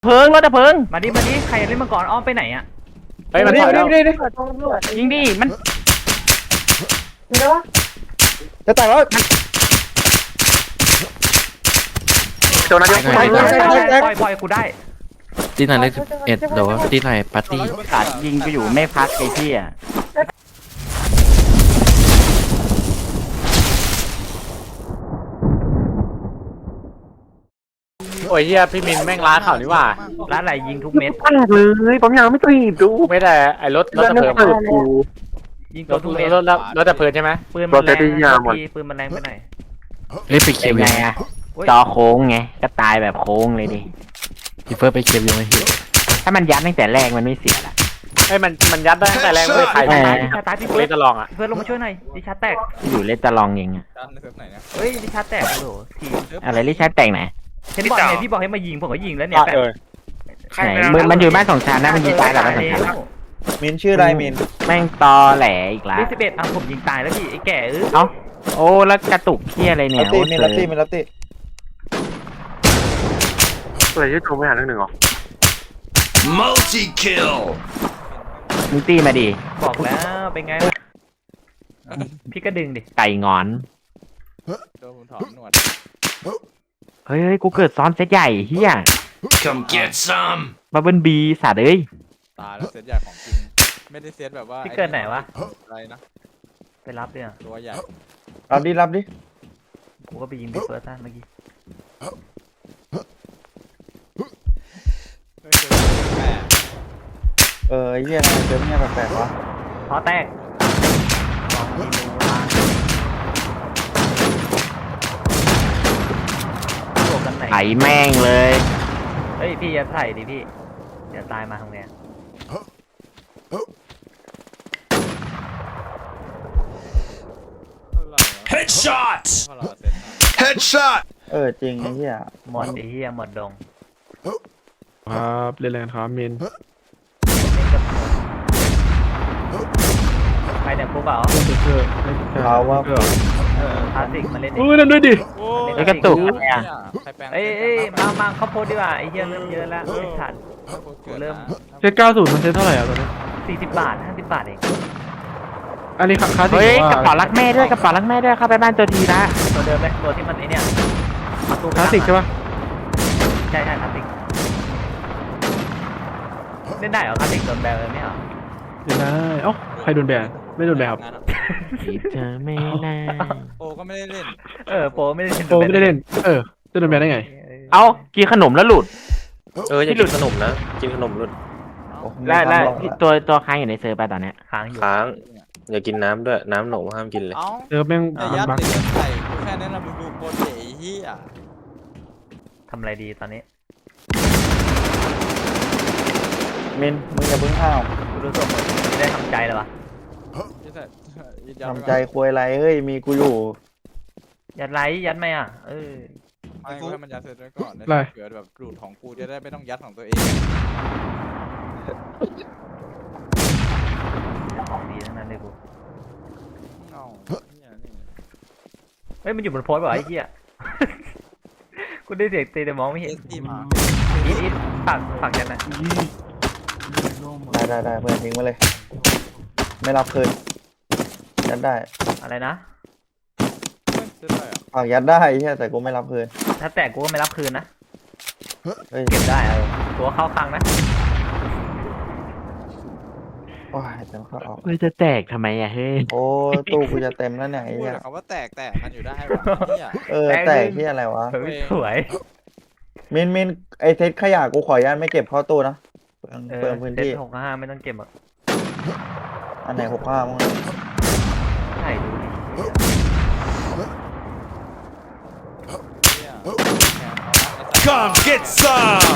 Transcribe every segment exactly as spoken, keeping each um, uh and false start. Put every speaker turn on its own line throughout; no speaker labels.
เพิงรถดับเพลิง
มาดิมาดิใครเล่นมาก่อนอ้อมไปไหนอ่ะ
เฮ้ยมันถอยแล้ว
ยิงดิมัน
จะแต่งแล้วโจนัสยกไป
ปล่อยปล่อยกูได้
ที่ไหนเลขสิบเอ็ดเดี๋ยวที่ไหนปาร์ตี้
ขาดยิงกูอยู่ไม่พักไอ้พี่อ่ะ
โอ้ยเฮียพี่มินแม่งล้าข่าวนี่ว่า
ร้านไหนยิงทุกเม็ด
มากเลยผมยังไม่ตีบดู
ไม่ได้ไอ้รถรถดับเพลิง
ยิง
ร
ตัว
ถ
ทุกเม็ด
รถรถดับเพลิงใช่ไหม
ปืนมันแรงทีปืนมันแรงไปหน่อย
เล่นไปเคียวยังไง
จอโค้งไงก็ตายแบบโค้งเลยดิ
พี่เฟิร์สไปเคียวยังไง
ถ้ามันยัดตั้งแต่แรกมันไม่เสียละ
ไอ้มันมันยัดได้ตั้งแต่แรกไม่ใคร
ตายดิชาตายพี่เฟิร์ส
จะลองอ่ะ
เฟิร์สลงมาช่วยหน่อยดิชาแตก
อยู่เลตจะลองเองอ่ะ
เฮ้ยดิชาแตกโอ้โหที
อะไรลิชาแตกไหน
เห็นบอกไงพี่บอกให้มายิงผมก็ยิงแล้วเนี่ย
ไหนมือมันอยู่บ้านสองชั้นนะมันยิงตายแบบบ้านสองชั้น
มินชื่ออะไรมิน
แม่งตอแหลอีกแล้ว
สิบเอ็ดอ่ะผมยิงตายแล้วพี่ไอ้แก่เออ
เอ้าโอ้แล้วกระตุกเขี้ยอะไรเนี่ย
ลัตตี้มินลัตตี้มินลัตตี้
อะไรที่โจไม่หาหนึ่งหนึ่งหรอ
multi kill
มึงตีมาดิ
บอกแล้วเป็นไงพี่ก็ดึงดิ
ไก่งอน
โดนผมถอนหนวด
เฮ้ยเฮ้ยกูเกิดซ้อนเซตใหญ่เฮีย
come get some
บับเบิ้ลบีสัตว์เอ้ย
ตายแล้วเซตใหญ่ของจริงไม่ได้เซตแบบว่า
พี่เกิดไหนวะ
อะไรนะ
ไปรับเนี่ย
ตัวใหญ่รับดิรับดิ
กูก็ไปยิงพี่เฟิร์สเมื่อกี้
เออเยี่ยมเจอเนี่ยแปลกๆวะ
พอแตก
ไถแม่งเลย
เฮ้ยพี่อย่าใส่ดิพี่เดี๋ยวตายมาทำไง
headshot headshot
เออจริงไอ้เหี้ย
หมดไอ้เหี้ยหมดดง
ครับเล่นแรงครับมิน
ใครเนี่ยกูเปล่า
เขาว่า
คลาสสิกมาเล่น
เออนั่นด้วยดิ
ไอ้กระตุกเนี่ย
เอ้ยมามาเขาโพสดีกว่าไอ้เหี้ยเริ่มเยอะแล้วไม่ทันเริ่ม
เซตเก้าศูนย์มันเซตเท่าไหร่อ่ะตอนนี้
สี่สิบบาทห้าสิบบาทเอง
อันนี้คลาสสิก
เฮ้ยกระเป๋ารักแม่ด้วยกระเป๋ารักแม่ด้วยเข้าไปบ้านตัวทีนะ
ตัวเดิมเลยตัวที่มันไอเนี่ย
คลาสสิกใช่ปะ
ใช่ใช่คลาสสิกเล่นได้เหรอคลาสสิกโดนแบนเลยไม่เหรอ
เล่นได้เอ้าใครโดนแบนไม่โดนแบนครับ
เธอไม่น่า
โปก็ไม่ได้เล่น
เออโปไม่ได้เล่น
โปไม่ได้เล่นเออจะโดนแบนได้ไง
เอ้ากินขนมแล้วหลุด
เออจะกินขนมนะกินขนมหลุด
แล้วแล้วตัวตัวค้างอยู่ในเซิร์ฟไปตอนเนี้ย
ค้างอยู่
ค้างอย่ากินน้ำด้วยน้ำหนมห้ามกินเลย
เซิร์ฟแม่ง
ยัดเด็กใส่แค่นั้นนะมึงดูโปรเจไอ้เหี้ย
ทำอะไรดีตอนนี้
มินมึงอย่าเพิ่งห้าว
กูรู้สึกไม่ได้ทำใจเลยวะ
ทำใจคุยอะไรเฮ้ยมีกูอยู่
ยัดไลท์ยัดไหมอ่ะเออ
ไม่กูให้มันยัดเสร็จไว้ก่อนเกิดแบบรูดของกูจะได้ไม่ต้องยัดของตัวเอง
ของดีทั้งนั้นเลยกูเฮ้ยมันอยู่บนโพสต์ป่ะไอ้เหี้ยกูได้เสียงตีแต่มองไม่เห็นอีทอีทฝักฝักยันนะ
ได้ได้ได้เพื่อนทิ้งมาเลยไม่รับคืนยัดได้
อะไรนะ
ฝากยัดได้ใช่แต่กูไม่รับคืน
ถ้าแตกกูก็ไม่รับคืนนะเก็บได้เออตัวเข้าคลังนะ
โอ้ยเต็มเข้าออก
มันจะแตกทำไมอะเฮ้ย
โอ้ตู้กูจะเต็มแล้วเนี่ยไอ้เนี่ย
เขาว่าแตกแตกมันอยู่ได้วะ
เออแตกที่อะไรวะ
สวย
มินมินไอเซตขยะกูขออนุญาตไม่เก็บเข้าตู้นะเปิดพื้นที่
หกห้าไม่ต้องเก็บอ่ะ
อันไหนหกห้ามั้ง
ใช่ดูดิ
come get some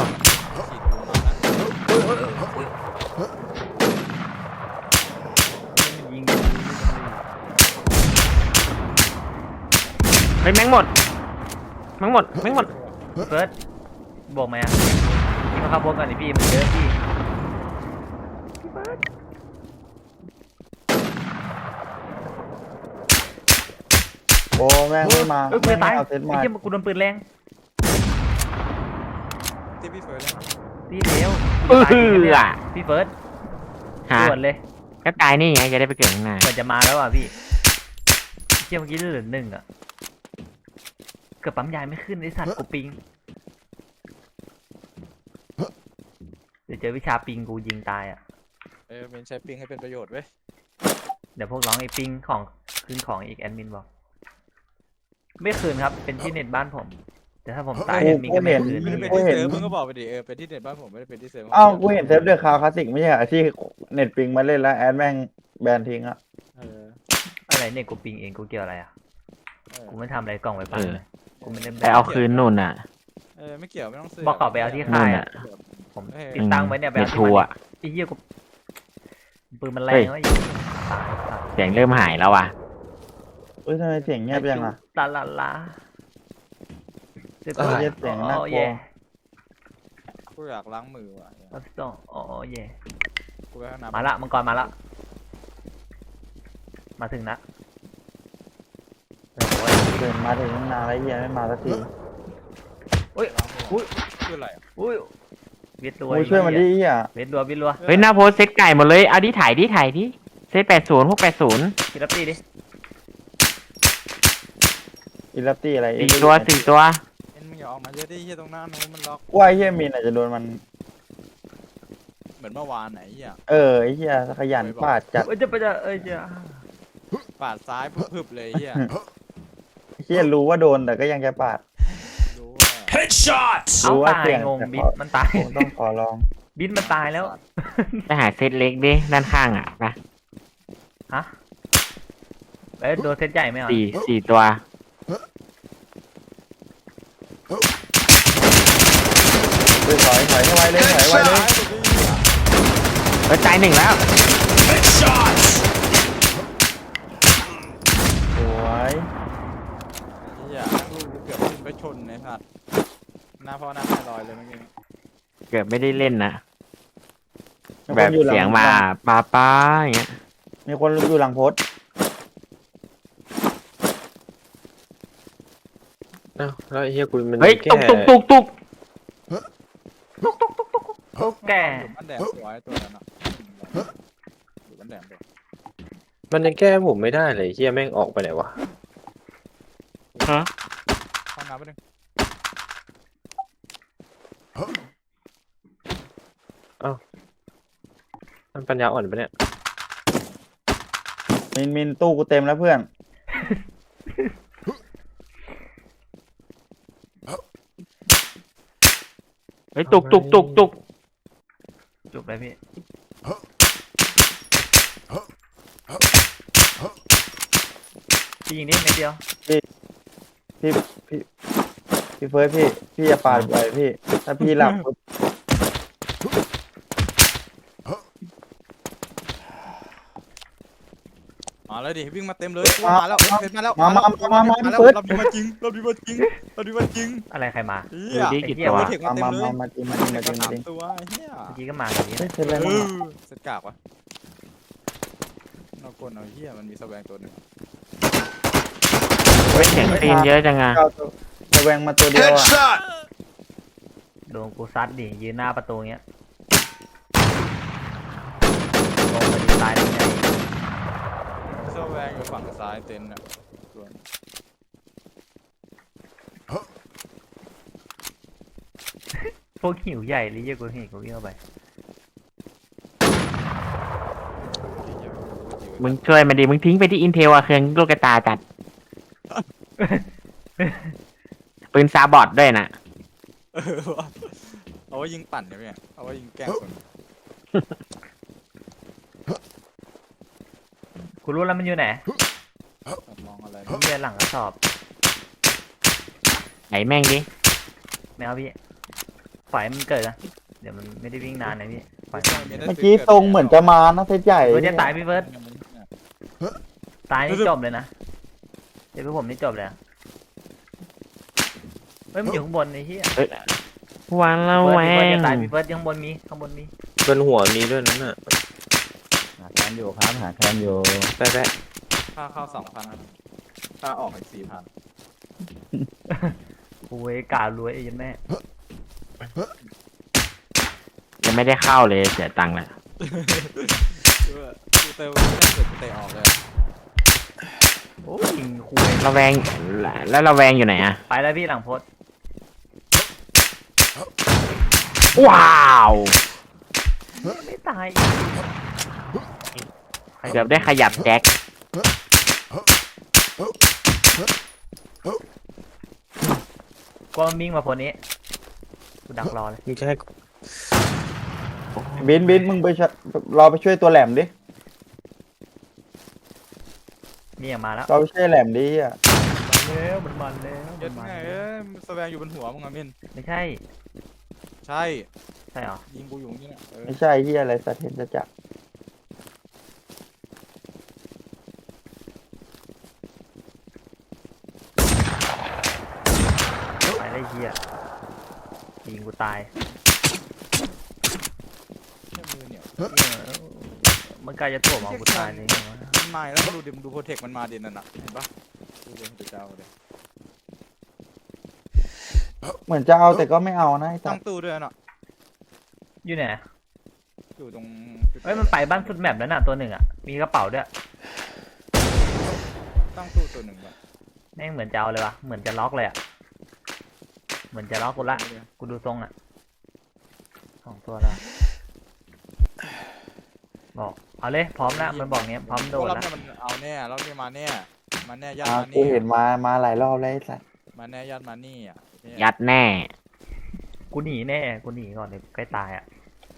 เฮ้ยแมงหมดแมงหมดแมงหมด
เฟิร์สบอกไหมอ่ะพี่มาขับรถก่อนดิพี่มันเยอะพี่
โอ้แม่งไม่มา
เออกูตายไอ้เหี้ยกูโดนปืนแรง
ที่พี่เฟิร์สเลย
ตีเดียว
เออ
พี่เฟิร์ส
ฮะ
ด่วนเลย
ก็ตายนี่ไงจะได้ไปเกิดข้างหน้า
เหมือนจะมาแล้วอ่ะพี่เที่ยเมื่อกี้เหลือหนึ่งอ่ะเกือบปั๊มยายไม่ขึ้นไอสัตว์กูปิงเดี๋ยวเจอวิชาปิงกูยิงตายอ่ะ
เออเป็นใช้ปิงให้เป็นประโยชน์เว้ย
เดี๋ยวพวกร้องไอ้ปิงของคืนของอีกแอดมินบอกไม่คืนครับเป็นที่เน็ตบ้านผม แต่ถ้าผมตายแอดมินก็ไม่คืน
ไม่ได้เป็น
กู
ที่
เห็น
เซิร์ฟมึงก็บอกไปดิเออเป็นที่เน็ตบ้านผมไม่ได้เป็นที่เซิร์ฟ
อ้าวกูเห็นเซฟเดอะคาวคลาสสิกไม่ใช่เหรอที่เน็ตปิงมาเล่นแล้วแอดแม่งแบนทิ้งอะ
เออ
อะไรเนี่ยกูปิงเองกูเกี่ยวอะไรอ่ะ
เออ
กูไม่ทำอะไรกล่องไว้ปังเลยกูไม่ได้
ไปเอาคืนนู่นอ่ะ
เออไม่เกี่ยวไม่ต้องซื้อ
บอกเขาไปเอาที่ค่ายอ่ะผมติดตั้งไว้เนี่ยไป
เน็
เอา
ต
ที่
ทัว
มัน
ร์
ไอ้เหี้ยกูปืนมันแรงวะอีกตายสัตว์
เสียงเริ่มหายแล้วอ่ะ
เอ้ยทำไมเสียงเงียบยังอะ
ลาลาลาเจ็บ
เออเสียงน่ากลัว
เย่
กูอยากล้างมือว่ะ
รับสองอ๋อเย่
กูไปห้องน้ำ
มาละมังกรมาละมาถึงนะโอ้ย
เดินมาถึงนานแล้วเฮียไม่มาสักที
อุ้ย
ล้างมือ
อุ้ย
คืออะไรอ่ะ
อุ้ยเวียดรัว
โอ้ยช่วยมันดิเฮีย
เวียดรัวเวียดรัว
เฮ้ยหน้าโพสเซตไก่หมดเลยเอาดิถ่ายดิถ่ายดิเซตแปดศูนย์พวกแปดศูนย์
กินรับตีดิ
อิลับตี้อะไร
สี่ตัวสี่ตัว
เอ็นมึงอย่าออกมาเยอะดิเฮียตรงหน้านู้นมันล็อก
ว่าไอ้เฮียมินอาจจะโดนมัน
เหมือนเมื่อวานไหนเฮีย
เออไอ้เฮียขยันปาดจัด
เอ้ยจะไปจะเอ้ยจะ
ปาดซ้ายพึบๆเลยเฮีย
ไอ้เฮียรู้ว่าโดนแต่ก็ยังจะปาด
รู้ว่า
Headshot!
เอา
รู้ว่า
ตาย
เสี่ยง
งง
แต่
บิ
ข
ด
อ
มันตาย
ผมต้องขอลอง
บิดมันตายแล้ว
ไปหาเซตเล็กดิด้านข้างอ่ะนะ
ฮะเอ้ยโดนเซตใหญ่ไหมอ่ะ
สี่สี่ตัว
เฮ้ยถอยถอยให้ไวเลยถอยไวเลย
เฮ้ยตายหนึ่งแล้ว
Headshot!
สวย
เฮียกูเกือบขึ้นไปชนในสัตว์หน้าพ่อหน้าแม่ลอยเลยเมื่อกี้
เกือบไม่ได้เล่นนะ
มี
แบ
คน
บ
อยู่หลั
เสียงมาป้าป้าอย่างเงี้ย
มีคนอยู่หลังโพสต์
เอ้าแล้วไอ้เฮียกูมัน
เฮ้ย
แค่
ตุกตุกตุกตุก
โอ้แก่
อยู่บ้านแดงตัวไอ้ตัวนั้นอ่ะอยู่บ้านแดงตัว
มันยังแก้ผมไม่ได้เลยเฮียแม่งออกไปไหนวะ
ฮะ
ห้องน้ำไปหนึ่ง
มันปัญญาอ่อนปะเนี่ย
มินมินตู้กูเต็มแล้วเพื่อน
เฮ้ยตุกตุกตุกตุก
จบเลยพี่พี่ยิงนิดเม็ดเดียว
พี่พี่พี่เฟิร์สพี่พี่อย่าปาดบ่อยพี่ ถ้าพี่หลับปุ๊บ
มาเลยดิวิ่งมาเต็มเลยมาแล้วเต็มมาแล้ว
มามามามามา
มา
พี่
แล้ว
เฟิร์ส
เราดีมาจริงเราดีมาจริงเราดีมาจริง
อะไรใครมา
เฮีย
ดูดิ
ไอ้
กี่
เหี้ย
ตัว
เทค
มา
มาเต็ม
มา
เลย
มามาจริงมาจริงมาจริง
สา
จริ
ม
ง
ตัวเฮีย
เมื่อกี้ก็มาอย่างนี้
เฮ้ยเป็นไร
เอ
มั้ง
อเสร็จกากวะเรากดเอาเฮียมันมีแสวงตัวหนึ่ง
เฮ้ยเสียงตีนเยอะจังอ่ะ
เก้าตัวระแวงมาตัวเดียวอ่ะ
Headshot!
โดนกูซัดดิยืนหน้าประตูเงี้ยลงไปดิตายได้ไง
แสวงอยู่ฝั่งซ้ายเต็นท์อ่ะส่วน
พวกหิวใหญ่หรือเยอะกว่าหิวกูวิ่งเข้าไป
มึงช่วยมันดิมึงทิ้งไปที่อินเทลอะเครื่องลูกกระตาจัดปืนซาบอดด้วยนะ
เออว่ะเอาไว้ยิงปั่นเนี่ยพี่เอาไว้ยิงแกล้งคน
กูรู้แล้วมันอยู่ไหน
มองอะไร
เรียนหลังกระสอบ
ไหนแม่งดิ
ไม่เอาพี่ปล่อยให้มันเกิดนะเดี๋ยวมันไม่ได้วิ่งนานนะพี่ปล่อยมัน
เมื่อกี้ทรงเหมือนจะมานะเซตใหญ่
เฟิร์สจะตายพี่เฟิร์สตายนี่จบเลยนะเดี๋ยวพวกผมนี่จบเลยอะเฮ้ยมันอยู่ข้างบนไอ้เหี้ย
วันละ
เฟิร์
แว
สพี่เฟิร์ส
ง
จะตายพี่เฟิร์สข้างบนมีข้างบนมี
บนหัวมีด้วยนั่นน่ะ
หาแคนอยู่ครับหาแคนอยู่
แป๊ะ
ค่าเข้าสองพันค่าออกอีกสี่พัน
โอ้ยการวยไอ้ยันแม่
ไม่ได้เข้าเลยเสียตังค์แหละ
กูเตะไม่ได้เกิดกูเตะออกเลย
โอ้ยยิงคุย
ระแวงแล้วระแวงอยู่ไหนอะ
ไปแล้วพี่หลังโพสต์
ว้าว
ไม่ตาย
เกือบได้ขยับแจ็ค
กลัวมันวิ่งมาโพสต์นี้กูดักรอเลย
มึงจะให้
บินบินมึงไปช่วยรอไปช่วยตัวแหลมดิ
นี่อย่างมาแล้ว
รอไปช่วยแหลมดิอ่ะ
มันแล้วมันมันแล้ว
ยั
มัน
ด
มัน
ไง
แล้ว
เอ้ยมันแสดงอยู่บนหัวมึงอะมิน
ไม่ใช่
ใช่
ใช่เหรอ
ยิงกูอยู่อย่างนี้เนี่ยเออ
ไม่ใช่เฮียอะไรสัตว์เห็นจะจับ
ไปได้เฮียยิงกูตาย
แค่มือเนี่ย
เออมันกลายจะถ่วงมองกูตายเลย
มันมาแล้วดูดิมดูโปรเทคมันมาดินั่นน่ะเห็นปะดูเดี๋ยวจะเจ้าเลย
เหมือนจะเอาแต่ก็ไม่เอานะไอ้สั
ตั้
ต
ง
ว์
ตู้ด้วยน่ะ
อยู่ไหน
อยู่ตรง
เฮ้ยมันไปบ้านสุดแมปแล้วน่ะตัวหนึ่งอ่ะมีกระเป๋าด้วย
ตั้งตู้ตัวหนึ่งก่อน
แม่งเหมือนจะเอาเลยวะเหมือนจะล็อกเลยอ่ะเหมือนจะล็อกกูละกูดูทรงอ่ะสองตัวแล้วบอกเอาเลยพร้อมแล้วมันบอกเนี้ยพร้อมโดน
รอบ
แล้ว
นี้มันเอาแน่รอบนี้มาแน่มาแน่ยัด
อ่า
มา
กู
นี่
เห็นมามาหลายรอบแล้วไอ้สัตว์
มาแน่ยัดมานี่อ่ะเนี่ย
ยัดแน่
กูหนีแน่กูหนีก่อนเดี๋ยวใกล้ตายอ่ะ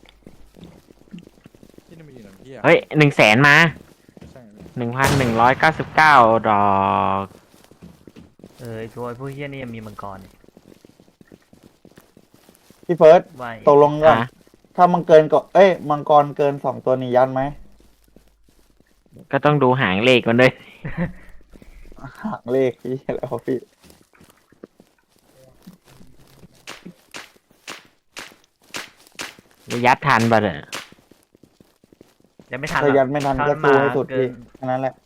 ที่นี่มีอยู่หนึ่งที่อ่ะ
เฮ้ยหนึ่งแสนมา
ใช่ไหม
หนึ่งพันหนึ่งร้อยเก้าสิบเก้าดอก
เออไอ้ตัวไอ้พวกเฮียนี่ยังมีมังกรอีก
พี่เฟิร์ส
ว่า
ตกลงกัน
ฮะ
ถ้ามังเกินก็เอ้ยมังกรเกินสองตัวนี้ยันไหม
ก็ต้องดูหางเลขมันด้วย
หักเลขพี่แล้วพี่
ยัดทันปะเนี่ย
ยังไม่ทันหร
ถ้า
อก
ยันไม่ทันก็สู้ให้สุดพี่แค่นั้นแหละ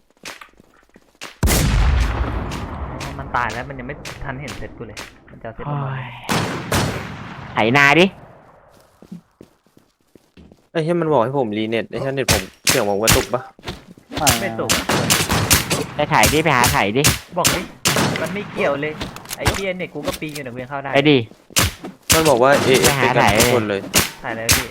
มันตายแล้วมันยังไม่ทันเห็นเสร็จกูเลยมันจะเอาเสร็จ
โอ้
ประมาณ
ยไถนาดิ
ไอ้เหี้ยมันบอกให้ผมรีเน็ตไอ้เหี้ยเน็ตผมเสียงผมกระตุกปะ
ไม่สุกอะ
ไปไถดิไปหาไถดิ
บอกดิมันไม่เกี่ยวเลยไอ้เฮียเนี่ยกูก็ปีนอยู่ในเวียงเข้าได้
ไปดิ
มันบอกว่าเอเอ
ไปหา
เป็นกัน
ไหน
ทุกคนเลย
ถ่ายเลยพี่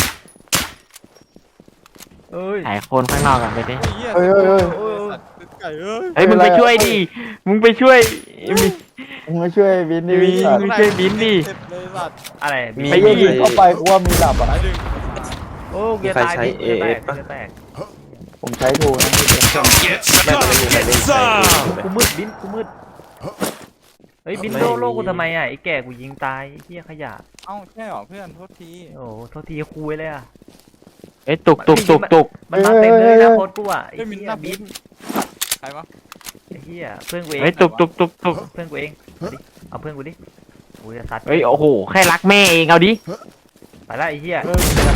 เอ้ย
ไถโคนข้างนอกกันไปดิ
โอ้ยเหี้ย
เฮ้ยเฮ้ยเฮ้ย
โอ้ยสัตว์ไก่เอ้ย
เฮ้ยมึงไปช่วยดิ มึงไปช่วยมี
มึงมาช่วยบินดิ
มี
สัตว์
มึงช่วยบินดิ
เจ็บเลยสัตว์
อะไร
มี
ไอ้เหี้ยยิงเข้าไปกูว่ามีหลับอ่ะ
ตายดึง
โอ้เกียร์ตายพี่เกียร์แตกเกียร์แตก
ผมใช้ทูนะพี่เฟิร์ส
Come get
แม่ง
some.
ไม่มีใคร
Get
เล่นใคร
some.
กูมืดบินกูมืดเฮ้ยบินโลโลกูทำไมอ่ะไอ้แก่กูยิงตายไอ้เฮียขยะ
เอ้าใช่เหรอเพื่อนโทษที
โอ้โทษทีคุยเลยอ่ะ
เอ้ยตุกตุกตุกตุก
มันมาเต็มเลยนะโคตรกูอ่ะไอ้
เฮ้ยมิน
เฮีย
หน้า
บิน
ใครวะ
ไอ้เฮียเพื่อนกูเอง
เฮ้ยตุกตุกตุกตุก
เพื่อนกูเองเอาดิเอาเพื่อนกูดิกูจะซัด
เฮ้ยโอ้โหแค่รักแม่เองเอาดิ
ไปแล้วไอ้เฮีย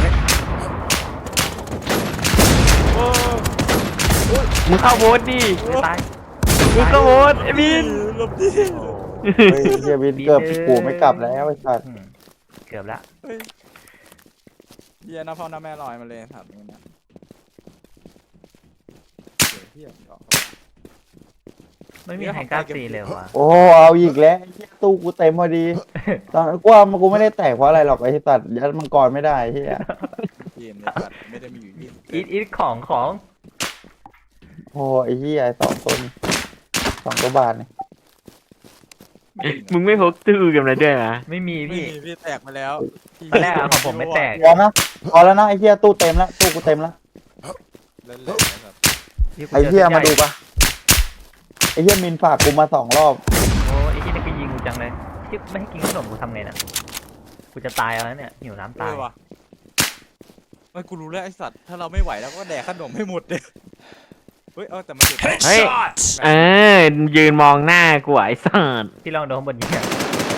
โอ้
มึงเข้าโบสดิ
ไม่ตาย
มึงเข้าโบสไอ้บิน
หลบดิ
โอ้
เฮ้ยเฮียบินเกือบกูไม่กลับแล้วไอ้สัตว์
อืมเกือบละ
เฮ้ยเหี้ยน้าพ่อน้าแม่ลอยมาเลยสัตว์นี่นะเหี้ยเหี้ยออก
ไม่มีใครกล้าตีเลยว่ะ
โอ้เอาอีกแล้วไอ้เหี้ยตู้กูเต็มพอดี ตอนกูว่ามันกูไม่ได้แตกเพราะอะไรหรอกไอ้สัตว์ยัดมังกรไม่ได้เฮีย
เกมเนี่ยสัตว์ไม่ได้มีอยู่ยี่สิบ
อีทอีทของของ
โอ้ไอ้เฮียสองตัวนี่สองตัวบาทนี่
มึงไม่พกตู้กันเลยด้วยนะ
ไม่มี
พี่
พี่
พี่แตกไปแล้ว
ตอนแรกอะของผมไม่แตก
พอนะพอแล้วนะไอ้เฮียตู้เต็มแล้วตู้กูเต็มแล้ว
เล่นๆนะครับ
พี่กู
ไอ้เฮีย
จอ
มาดูปะไอ้เฮียมินฝากกูมาสองรอบ
โอ้ไอ้ที่นี่ก็ยิงกูจังเลยที่ไม่ให้กินขนมกูทำไงน่ะกูจะตายแล้วเนี่ยหิวน้ำ
เอ
ตาย
อว่ะเฮ้ยกูรู้แล้วไอสัตว์ถ้าเราไม่ไหวแล้วก็แดกขนมให้หมดเลยเฮ้ยเออแต่มันเจ็บ
Headshot.
เออยืนมองหน้ากูไอ้สัส
พี่ลองโดนบนยิงอะ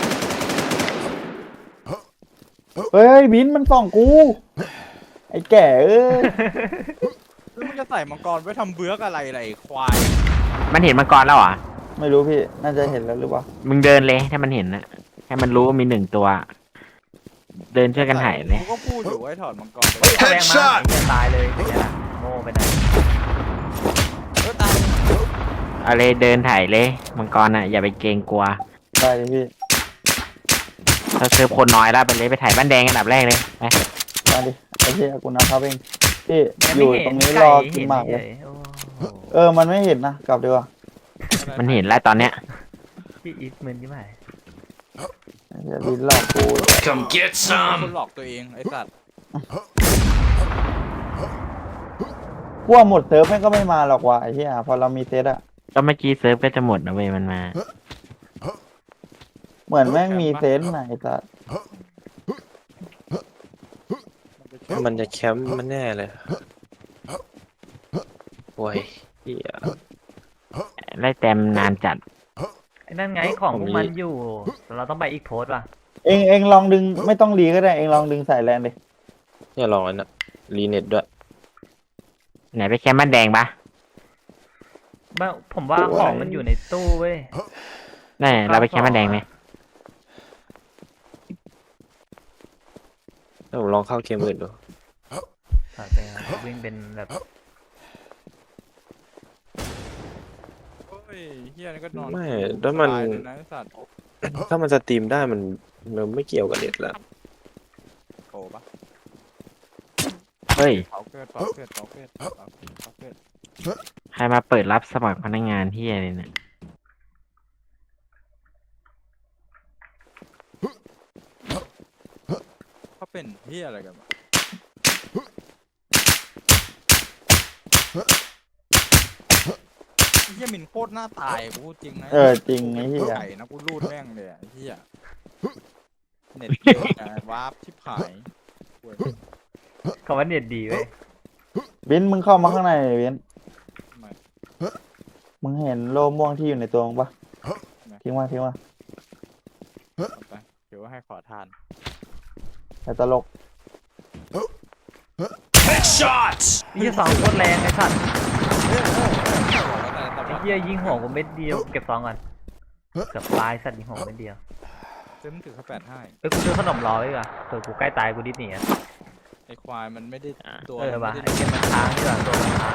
เฮ้ยบินมันส่องกู ไอ้แก่เอ้ย
แล้วมึงจะใส่มังกรไว้ทำเบื้อกอะไรอะไรควาย
มันเห็นมังกรแล้วเหรอ
ไม่รู้พี่น่าจะเห็นแล้วหรือเปล่า
มึงเดินเลยถ้ามันเห็นนะให้มันรู้ว่ามีหนึ่งตัวเดินช่วยกันหายเลย
กูก็พูดอยู่ไอ้ถอดมังกร
เฮ้ยเอาแรงมาไอ้เหี้ยตายเลยเป็นไงล่ะโง่ไปไหน
เออตาย
เอาเลยเดินถ่ายเลยมังกรอ่ะอย่าไปเกรงกลัว
ได้เลยพี่
ถ้าเซิร์ฟคนน้อยแล้วไปเลยไปถ่ายบ้านแดงอันดับแรกเลยไป
มาดิไอ้เหี้ยกูนะครับเองพี่
แม่
อ
ไม่
ยู่
เห็
ตรงนี้
ไ
รอกินหมากเลย
โอ้
เออมันไม่เห็นนะกลับดีกว่า
มันเห็นแล้วตอนเนี้ย
พี่อีทมึนยิ่งไหม
ไอ้เหี้ยลิ้นหลอกกู
Come get
ค
some.
นหลอกตัวเองไอ้สัตว์
พวกหมดเซิร์ฟแม่งก็ไม่มาหรอกว่ะไอ้เหี้ยพอเรามีเซตอะ
ก็เมื่อกี้เซิร์ฟก็จะหมดนะเว้ยมันมา
เหมือนแม่งมีเซนต์ไหนสัส
มันจะแคมป์มันแน่เลยโอ้ยเหี้ย
ไล่แต้มนานจัด
ไอ้นั่นไงของพวกมันอยู่เราต้องไปอีกโพสต์ว่ะ
เองเองลองดึงไม่ต้องรีก็ได้เองลองดึงใส่แลนดิ
เนี่ยลองอันน่ะรีเน็ตด้วย
ไหนไปแคมป์บ้านแดงปะ
บ้าผมว่าของมันอยู่ในตู้เว้ย
แน่เราไปแคมป์บ้านแดงไหม
แล้วผมลองเข้าเกมอื่นดู
อ่ะเป็นไงวิ่งเป็นแบบ
โอ้ยเฮียนี่ก็นอน
ไม่แล้วมัน
ตายเลยนะไอ้สัตว์
ถ้ามันสตรีมได้มันมันไม่เกี่ยวกับเน็ตแล้ว
โอ้ปะ
เฮ้ย
เผาเกิดเผาเกิดเผาเกิดเผาเกิดเผาเกิด
ใครมาเปิดรับสมัครพนักงานที่อะไรเนี่ย
เขาเป็นเฮียอะไรกันวะเฮียมินโคตรหน้าตายกูพูดจริงนะ
เออจริงไอ้เหี้ย
ไก่นะกูรูดแม่งเลยอะไอ้เฮียเน็ตเก่งนะวาร์ปชิบหายโว้ย
คำว่าเน็ตดีเว้ย
วินมึงเข้ามาข้างในหน่อยวิน
ทำไม
มึงเห็นโลม่วงที่อยู่ในตัวมึงปะทิ้งมาทิ้งมา
เอาไปเดี๋ยวให้ขอทาน
แต่ตลก
Headshot.
นี่สองโคตรแรงไอ้สัตว์
แต่แต่
ไอ้
ว่า
เหี้ยยิงหัวกูเม็ดเดียวเก็บซองก่อนเกือบตายสัตว์ยิงหัวกูเม็ดเดียว
เจมถือเขาแปดให้
เอ้ยกูซื้อขนมรอไว้ดีกว่าเผื่อกูใกล้ตายกูดิ้นหนีอะ
ไอควายมันไม่ได้ตัว
เออ
มัน
ว่ะ
ไม่
ไอ้
ได้
เหี้ยมันค้างดีกว่าตัวมันค้าง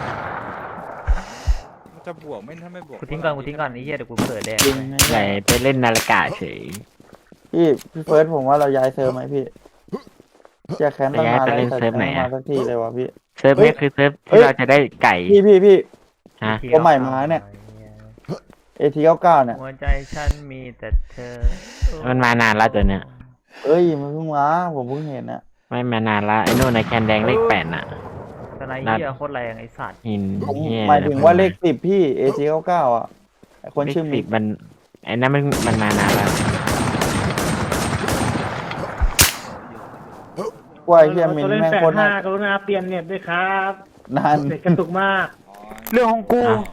มันจะบวกไม่ถ้าไม่บวก
กูทิ้งก่อนกูทิ้งก่อนไอ้เหี้ยเดี๋ยวกูเกิดแดง
จริง
เลย
ไหนไปเล่นนาฬิกาเฉย
พี่พี่เฟิร์สผมว่าเราย้ายเซิร์ฟไหมพี่จะแคนตั้งนาน
ไป
แล้ว
เล่น
แต่
เซิร์ฟไหน
ไม่
อะ
มาสักทีเลยวะพี่
เซิร์ฟนี้คือเซิร์ฟ
เฮ้
ที่
ย
เราจะได้ไก่
พี่พี่พี่
ฮะ
ตัวใหม่มาเนี่ย เอทีเก้าเก้าเนี่ย
หัวใจฉันมีแต่เธอ
มันมานานแล้วตัวเนี้ย
เอ้ยมันเพิ่งมาผมเพิ่งเห็นนะ
ไม่มานานละไอ้นู่นในแคนแดงเลขแปดน่ะ
สไนเหี้ยโคตรแรงไอ้สัตว์
หิน
ผม
เหี้ย
หมายถึงว่าเลขสิบพี่เอทีเก้าเก้าอ่ะไอ้คน
เลข
ชื่อ
สิ
มิ
บมันไอ้นั่นมันมันมานานแล้ว
กล้วยเฮียมินแม่งโคตรน่าก
รุณาเปลี่ยนเน็ตด้วยครับ
นาน
เน็ตกระตุกมาก
อ๋อ
เรื่องของกู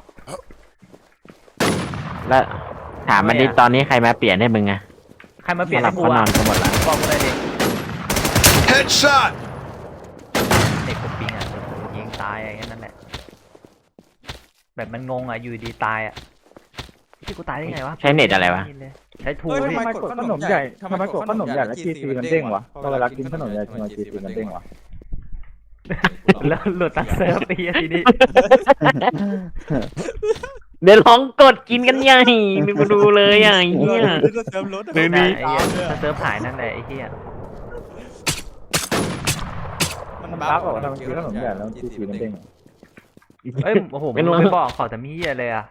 แล้วถามมันดิตอนนี้ใครมาเปลี่ยนให้มึงอะ
ใครมาเปลี่ยน
หลั
ให้
บ
กู
เขานอ
อ่ะ
นกันหมดละ
บอกกูเลยดิ
Headshot.
เด็กกูปิงอ่ะเออยิงตายอะไรแค่นั้นแหละแบบมันงงอ่ะอยู่ดีตายอ่ะที่กูตายได้ไงวะ
ใช้เน็ตอะไรวะ
ใช้ทู
เฮ้ย
พี่
ทำไมกดขนมใหญ่ทำไมกดขนมใหญ่แล้วจีซีมันเด้งวะพอเวลากินขนมใหญ่ทำไมจีซีมันเด้งวะ
แล้วหลุดตั้งเซิร์ฟไปอ่ะทีนี้
เดี๋ยวลองกดกินกันใหญ่ดูดูเลยอ่ะไอ้เหี้ย
เซิร์ฟรถ
เดี๋ยวนี้
ไอ้เหี้ยถ้าเซิร์ฟหายนั่นแหละไอ้เหี้ย
มันบ้าบอกทำกินขนมใหญ่แล้วจีซีมันเด้ง
เอ้ยโอ้โหมึงไม่บอกขอแต่มีเหี้ยเลยอ่ะ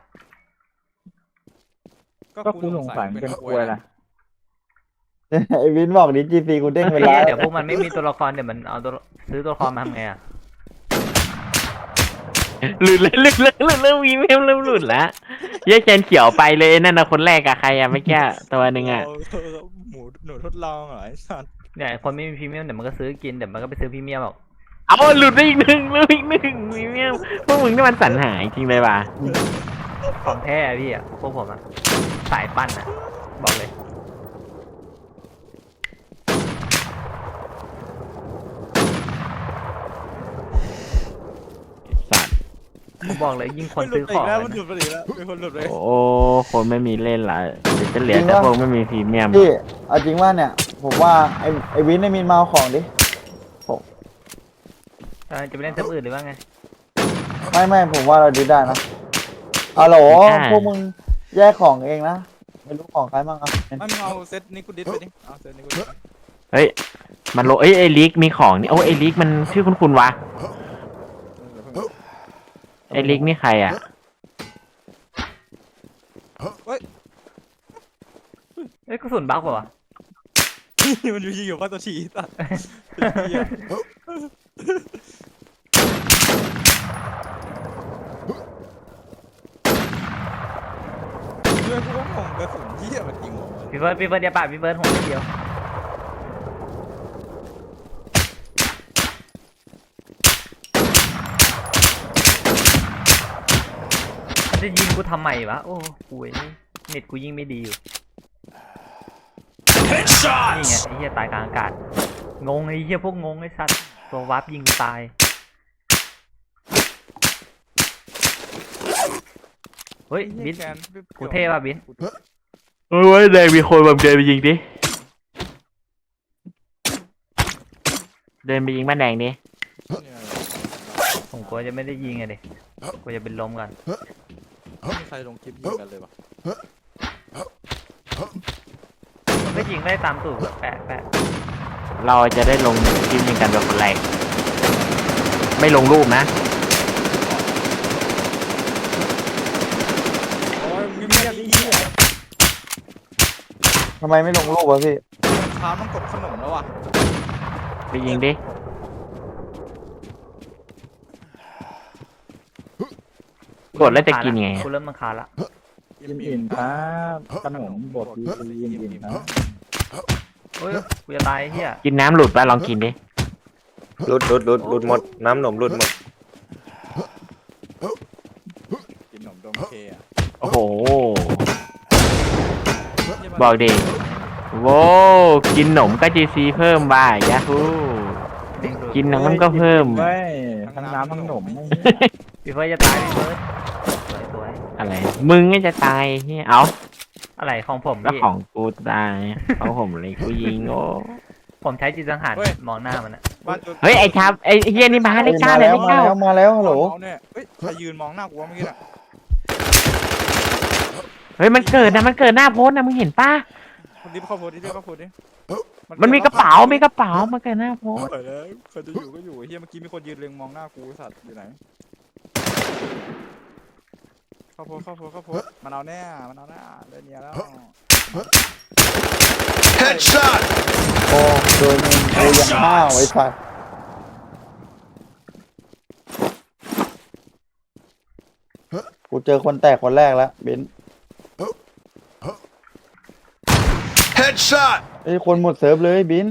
ก็กูสงสัยเป็นควยนะ
ไอ้วินบอกดิจีซีกูเด้งเว
ไอ้
ลา
เหี้ยเดี๋ยวพวกมันไม่มีตัวละครเดี๋ยวมันเอาตัวซื้อตัวละครมาทำไงอ่ะ
หลุดเลยหลุดเลยหลุดเลยวีเมมเริ่มหลุดแล้วเหี้ยแคนเขียวไปเลยนั่นนะคนแรกอะใครอะไม่แก้ตัวหนึ่งอะ
หมูหนูทดลองเหรอไอ้สัตว์
เนี่ยคนไม่มีพรีเมียมเดี๋ยวมันก็ซื้อกินเดี๋ยวมันก็ไปซื้อพรีเมียมหรอก
เอาหลุดไปอีกหนึ่งหลุดอีกหนึ่งวีเมมพวกมึงนี่มันสรรหาจริงเลยว่ะ
ของแท้อะพี่อ่ะพวกผมอ่ะสายปั้นอ่ะบอกเลย
สัตว์
ผมบอกเลยยิ่งคน
หลุ
ซื้
ด
อ
ไป
ของ
แล้ว
อะ
มันหลุดไปอีกแล้วเป็นคนหลุดไป
โอ้คนไม่มีเล่นละเดี๋ยวจะเหลือแต่พวกไม่มีพรีเมียม
พี่เอาจริงว่าเนี่ยผมว่าไอ้ไอ้วินไอ้มินมาเอาของดิ
เออจะไปเล่นเซิร์ฟอื่นหรือว่าไง
ไม่ไม่ผมว่าเราดีได้นะอ๋อโหล
ได้
พวกมึงแยกของเองนะไม่รู้ของใครบ้างอ่ะ
ไม่มึงเอาเซตนี้กูดิสไปดิเอาเซตนี้กูดิส
เฮ้ยมันโลเอ้ยไอลิกมีของนี่โอ้ไอลิกมันชื่อคุณคุณวะไอลิกนี่ใครอ่ะ
เอ้ยกระสุนบั๊กเปล่าวะ
มันอยู่ยิงอยู่ว่าตัวชีสัตว์เพื่อนกูก็งงกระสุนที่มันยิงหัว
พี่เบิร์ดพี่เบิร์ดเดียวป่ะพี่เบิร์ดหัวเดียวมันจะยิงกูทำไมวะโอ้กูเอ้ยเน็ตกูยิงไม่ดีอยู่นี่ไง
Headshot!
ไอ้เหี้ยตายกลางอากาศงงไอ้เหี้ยพวกงงไอ้สัตว์ตัววาร์ปยิงกูตายเฮ้ยบินกูเท่ป่ะบิน
โอ้ยแดงมีคนแบบเดินไปยิงดิเดินไปยิงบ้านแดงดิ
ผมกลัวจะไม่ได้ยิงไงดิกลัวจะเป็นลมกัน
ไม่มีใครลงคลิปยิงกันเลยวะ
มันก็ยิงได้ตามตูดแบบแปะแปะ
เราจะได้ลงคลิปยิงกันแบบคนแรกไม่ลงรูปนะ
โอ้ยมีเมียดีเหี้ย
ทำไมไม่ลงรูปวะพี่
เช้าต้องกดขนมแล้วว่ะ
ไปยิงดิ กดแล้วจะกินไง
กูเริ่มมันคาญละ
ยิ้มอิ่มครับขนมบดยิ้มอิ่มนะ
โอ้ยกูจะตายไอ้เหี้ย
กินน้ำหลุดป่ะลองกินดิ
หลุดหลุดหลุดหลุดหมดน้ำหนมหลุดหมด
กินขนมดมเคอะ
โอ้โห บอกดิโว้กินหนมก็จีซีเพิ่มบ่ายยาฮูกินน้ำก็เพิ่ม
ทั้งน้ำทั้งขนม
พี่เฟิร์สจะตายพี่เฟิร์สสวยสวย
อะไร มึงก็จะตายเฮียเอา
อะไรของผม
แล้ว
พี่
ของกูตายของผมเลยกูยิงโอ้
ผมใช้จิตสังหารมองหน้ามันอะ
บ้านตัว
เฮ้ยไอ้ทับไอ้เฮียนี่มาเลขเก้าเลย
มา
เลข
มา
เก้า
แล้วมาแล้วฮัลโหล
เอาเนี่ยเฮ้ยใครยืนมองหน้ากูวะเมื่อกี้น่ะ
เฮ้ยมันเกิดนะมันเกิดหน้าโพสต์นะมึงเห็นป่ะ
คนนี้เข้าโพสดิเข้าโพสดิ
มันมีกระเป๋ามีกระเป๋ามันเกิดหน้าโพสต์
เปิดแล้วใครจะอยู่ก็อยู่เฮียเมื่อกี้มีคนยืนเล็งมองหน้ากูสัตว์อยู่ไหนเข้าโพสเข้าโพสเข้าโพสมันเอาแน่มันเอาแน่เล่นเนียแล้ว
Headshot!
โอ้โดนมึงเอ้ยยังห้าวไอ้สัสกูเจอคนแตกคนแรกแล้วเบนซ์
Headshot!
ไอ้ยคนหมดเซิร์ฟเลยบินซ์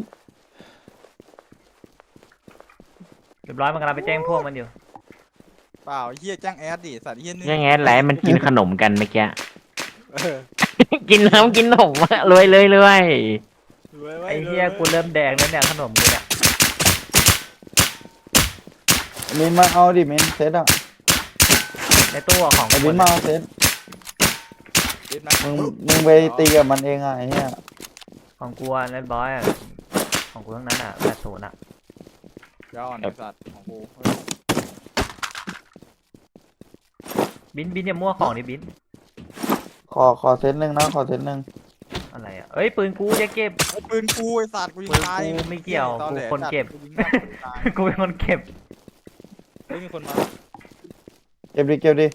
เรียบร้อยมันกำลังไปแจ้งพวกมันอยู่
เปล่าเฮียแจ้งแอดดิสัตว์เฮียนี่
ยังไงแหละมันกินขนมกันเมื่อกี้
เออ
กินน้ำกินขนมอะรวยเลยรวย
รวยว้
ไอ้เหี้ยกูเริ่มแดงแล้วเนี่ยขนมกูเนี่ย
มินมาเอาดิมินเซตอ่ะ
ในตู้อะของ
ไอ้
กู
บินมาเอาเซต
ดิสไหม
มึงมึงไปตีกับมันเองอ่ะไอ้เหี้ย
ของกูอะเรียบร้อยอะของกูทั้งนั้นอะแปดศูนย์อะ
ยาวอ่อนไอ้สัตว์ของกูเฮ้ย
บินบินอย่ามั่วของดิบิน
ขอขอเซตหนึ่งนะขอเซตหนึ่ง
อะไรอะเอ้ยปืนกูจะเก็บ
ไอ้ปืนกูไอ้สัตว์กูยิงตาย
ปืนกูไม่เกี่ยว
ตอแหล
กูคนเก็บ
สัตว์กูยิงหน้าคนตาย
กูเป็นคนเก็บ
เฮ้ยมีคนมา
เก็บดิเก็บดิ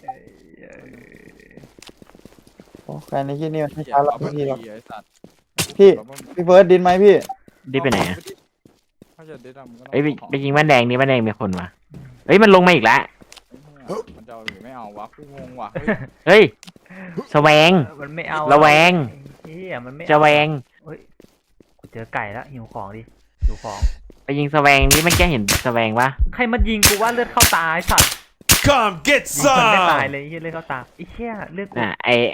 โอ้ใครในที่นี่มันไม่ช้าหรอกพี่หรอก
ไอ้สัตว์
พี่ พี่เฟิร์สดินไหมพี่
ดิไปไหนอะ
ถ้าจะดิสอะมึงก็ต้อง
เอ้ยไป
ของ
ไปยิงบ้านแดงนี่บ้านแดงมีคนวะเฮ้ยมันลงมาอีกแล้ว
มันจะเอาหรือไม่เอาวะกูงงว่ะเฮ้ย
เฮ้ยแสวง
มันไม่เอา
ระแวง
เฮียมันไม่เอา
จะแวง
เฮ้ยกูเจอไก่แล้วหิวของดิหิวของ
ไปยิงแสวงนี่มันแกเห็นแสวงปะ
ใครมายิงกูว่าเลือดเข้าตาไอ้สัตว์
Come get
มันไม่ตาย
some!
เลยไอ้เฮียเลือดเข้าตาไอ้เหี้ยเลือดกู
น่ะไอ